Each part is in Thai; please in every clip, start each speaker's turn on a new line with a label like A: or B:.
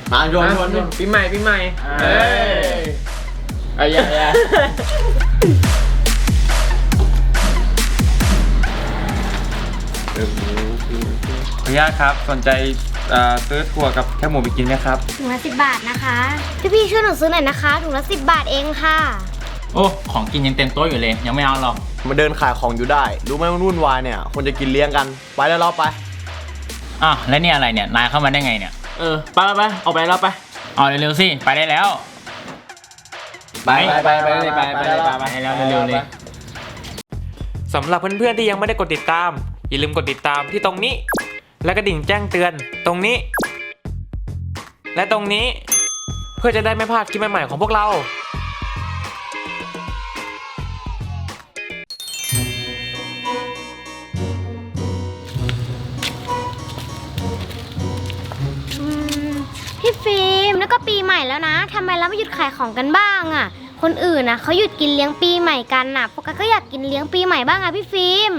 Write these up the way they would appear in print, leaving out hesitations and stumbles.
A: มาโยน
B: ปีใหม่
A: เอ้ยอย่า
B: ขออนุญาตครับสนใจซื้อถั่วกับแคบหมูไปกินไหมครับ
C: ถุงละ10 บาทนะคะพี่ช่วยหนูซื้อหน่อยนะคะถุงละ10 บาทเองค่ะ
D: โอ้ของกินยังเต็มโต๊ะอยู่เลยยังไม่เอาหรอก
A: มาเดินขายของอยู่ได้รู้ไหมมันวุ่นวายเนี่ยคนจะกินเลี้ยงกันไปแล้วเราไป
D: แล้วนี่อะไรเนี่ยนายเข้ามาได้ไงเนี่ย
A: ไปออกไปแล้วไป
D: เอาเร็วๆสิไปได้แล้ว
A: ไปเลย
D: แล้วเร็วๆเลย
B: สำหรับเพื่อนๆที่ยังไม่ได้กดติดตามอย่าลืมกดติดตามที่ตรงนี้และกระดิ่งแจ้งเตือนตรงนี้และตรงนี้เพื่อจะได้ไม่พลาดคลิปใหม่ๆของพวกเรา
C: พี่ฟิล์มแล้วก็ปีใหม่แล้วนะทำไมเราไม่หยุดขายของกันบ้างอ่ะคนอื่นนะเขาหยุดกินเลี้ยงปีใหม่กันน่ะโฟกัสก็อยากกินเลี้ยงปีใหม่บ้างอ่ะพี่ฟิล์ม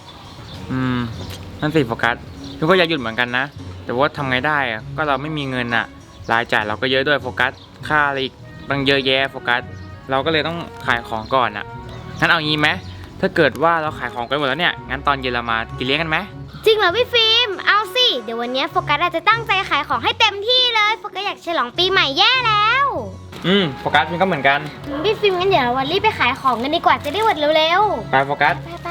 B: นั่นสิโฟกัสพี่ก็อยากหยุดเหมือนกันนะแต่ว่าทำไงได้อะก็เราไม่มีเงินอะรายจ่ายเราก็เยอะด้วยโฟกัสค่าอะไรอีกตั้งเยอะแยะโฟกัสเราก็เลยต้องขายของก่อนอะงั้นเอางี้ไหมถ้าเกิดว่าเราขายของกันหมดแล้วเนี่ยงั้นตอนเย็นเรามากินเลี้ยงกันไหม
C: จริงเหรอพี่ฟิล์มเอาสิเดี๋ยววันนี้โฟกัสอาจจะตั้งใจขายของให้เต็มที่เลยโฟกัสอยากฉลองปีใหม่แย่แล้ว
B: โฟกัสพี่ก็เหมือนกัน
C: พี่ฟิล์มงั้นเดี๋ยววันรีบไปขายของกันดีกว่าจะได้หมดเร็ว
B: ๆไปโฟกัส
C: ไป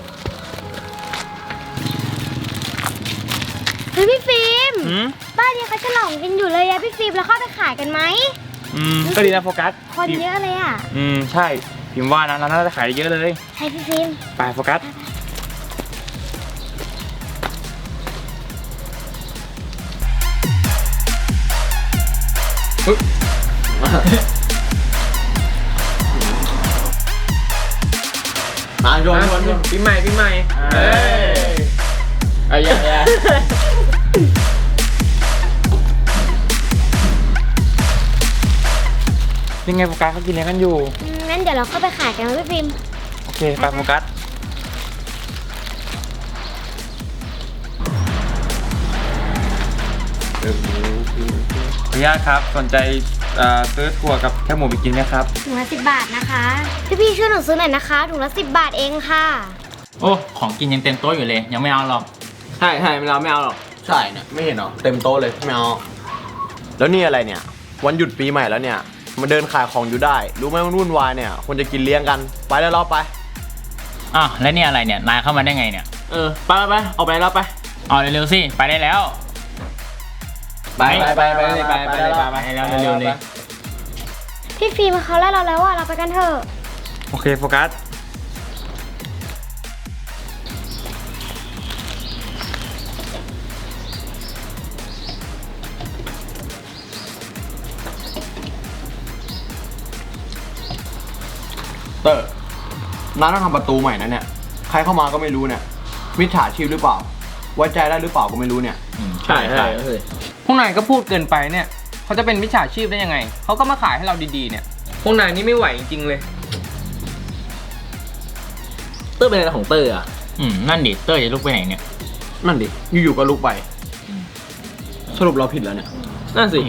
C: พี่ฟิล์มบ้านนี้เขาฉลองกันอยู่เลยอะพี่ฟิล์มเราเข้าไปขายกันไหม
B: ก็ดีนะโฟกัส
C: คนเยอะเลยอะ
B: ใช่พิมพ์ว่านะเราน่าจะขายเยอะเลย
C: ใช่พี่ฟิล์ม
B: ไปโฟกัส
A: มาโยน
B: ปีใหม่
A: อย่า
B: ยังไงโฟกัสเขากินเลี้ยงกันอยู่
C: งั้นเดี๋ยวเราเข้าไปขายกันพี่ฟิล์ม
B: โอเคไปโฟกัสขออนุญาตครับสนใจซื้อถั่วกับแคบหมูไปกินไหมครับ
C: ถุงละ10 บาทนะคะพี่ช่วยหนูซื้อหน่อยนะคะถุงละ10 บาทเองค่ะ
D: โอ้ของกินยังเต็มโต๊ะอยู่เลยยังไม่เอาหรอก
A: ใช่เราไม่เอาหรอกใช่เนี่ยไม่เห็นหรอเต็มโต๊ะเลยไม่เอาแล้วนี่อะไรเนี่ยวันหยุดปีใหม่แล้วเนี่ยมาเดินขายของอยู่ได้รู้ไหมมันวุ่นวายเนี่ยคนจะกินเลี้ยงกันไปแล้วเราไป
D: แล้วนี่อะไรเนี่ยนายเข้ามาได้ไงเนี่ย
A: ไปออกไปแล้วไป
D: เอาเร็วๆสิไปได้แล้ว
A: ไป
D: แล้วเร็วๆเลย
C: พี่ฟิล์มเขาไล่เราแล้วอะเราไปกันเถอะ
B: โอเคโฟกัส
A: เตอร์ร้านต้องทำประตูใหม่นะเนี่ยใครเข้ามาก็ไม่รู้เนี่ยมิจฉาชีพหรือเปล่าไว้ใจได้หรือเปล่าก็ไม่รู้เนี่ย
D: ใช่
B: พวกนายก็พูดเกินไปเนี่ยเขาจะเป็นมิจฉาชีพได้ยังไงเขาก็มาขายให้เราดีๆเนี่ยพวกนายนี่ไม่ไหวจริงๆเลย
A: เตอร์เป็นอะไรของเตอร์อ่ะ
D: นั่นดิเตอร์จะลุกไปไหนเนี่ย
A: นั่นดิอยู่ๆก็ลุกไปสรุปเราผิดแล้วเนี่ย
B: นั่นสิ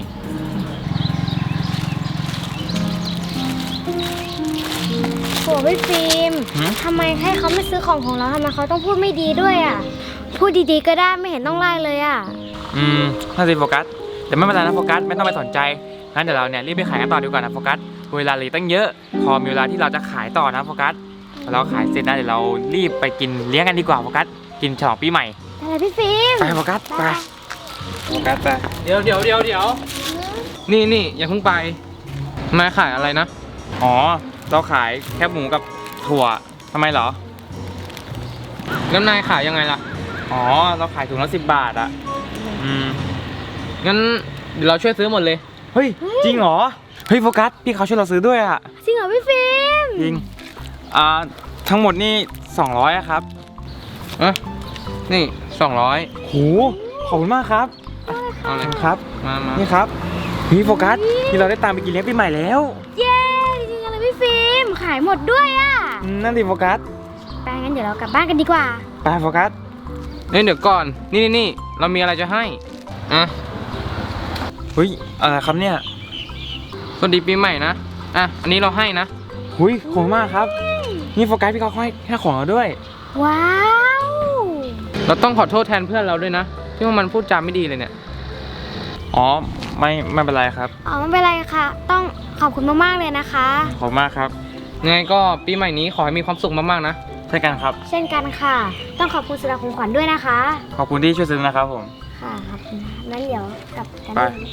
C: โหพี่ฟิล์มทำไมให้เขาไม่ซื้อของเราทำไมเขาต้องพูดไม่ดีด้วยอ่ะพูดดีๆก็ได้ไม่เห็นต้องไล่เลยอ่ะ
B: น่าสิโฟกัสแต่ไม่เป็นไรนะโฟกัสไม่ต้องไปสนใจงั้นเดี๋ยวเราเนี่ยรีบไปขายกันต่อดีกว่านะโฟกัสเวลาเหลือตั้งเยอะพอมีเวลาที่เราจะขายต่อนะโฟกัสเราขายเสร็จนะเดี๋ยวเรารีบไปกินเลี้ยงกันดีกว่าโฟกัสกินฉลองปีใหม่
C: อะไรพี่ฟิล์ม
B: ไปโฟกัสไปโฟกัสไปเดี๋ยวนี่อย่าเพิ่งไปนายขายอะไรนะอ๋อเราขายแคบหมูกับถั่วทำไมเหรอแล้วนายขายยังไงล่ะอ๋อเราขายถุงละ10 บาทอะงั้นเดี๋ยวเราช่วยซื้อหมดเลยเฮ้ยจริงเหรอเฮ้ยโฟกัสพี่เขาช่วยเราซื้อด้วยอะ
C: จริงเหรอพี่ฟิล์ม
B: จริงทั้งหมดนี่200อะครับนี่200โหขอบคุณมากครับเอาเลยครับมานี่ครับพี่โฟกัสที่เราได้ตามไปกินเลี้ยงปีใหม่แล้ว
C: เย้จริงอะไรพี่ฟิล์มขายหมดด้วยอะ
B: นั่นดิโฟกัส
C: ไปงั้นเดี๋ยวเรากลับบ้านกันดีกว่า
B: ไปโฟกัสเดี๋ยวก่อนนี่เรามีอะไรจะให้เฮ้ยอะไรครับเนี่ยสวัสดีปีใหม่นะอ่ะอันนี้เราให้นะหุยขอบคุณมากครับนี่โฟกัสพี่เขาให้ของเราด้วย
C: ว้าว
B: เราต้องขอโทษแทนเพื่อนเราด้วยนะที่ว่ามันพูดจาไม่ดีเลยเนี่ยอ๋อไม่เป็นไรครับ
C: อ๋อไม่เป็นไรค่ะ ต้องขอบคุณมากๆเลยนะคะ
B: ขอบคุณมากครับยังไงก็ปีใหม่นี้ขอให้มีความสุขมากๆนะใช่กันครับ
C: เช่นกันค่ะ ต้องขอบคุณสำหรับของขวัญด้วยนะคะ
B: ขอบคุณที่ช่วยซื้อนะครับผม
C: ค่ะขอบคุณค่ะงั้นเดี๋ยวกลับกัน
B: ไป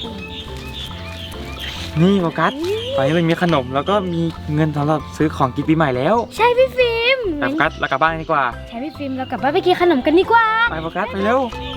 B: นี่โฟกัสตอนนี้มันมีขนมแล้วก็มีเงินสำหรับซื้อของกินปีใหม่แล้ว
C: ใช่พี่ฟิล์ม
B: ไปโฟกัสเรากลับบ้านดีกว่า
C: ใช่พี่ฟิล์มเรากลับบ้านไปกินขนมกันดีกว่า
B: ไปโฟกัสไปเร็ว
C: ไ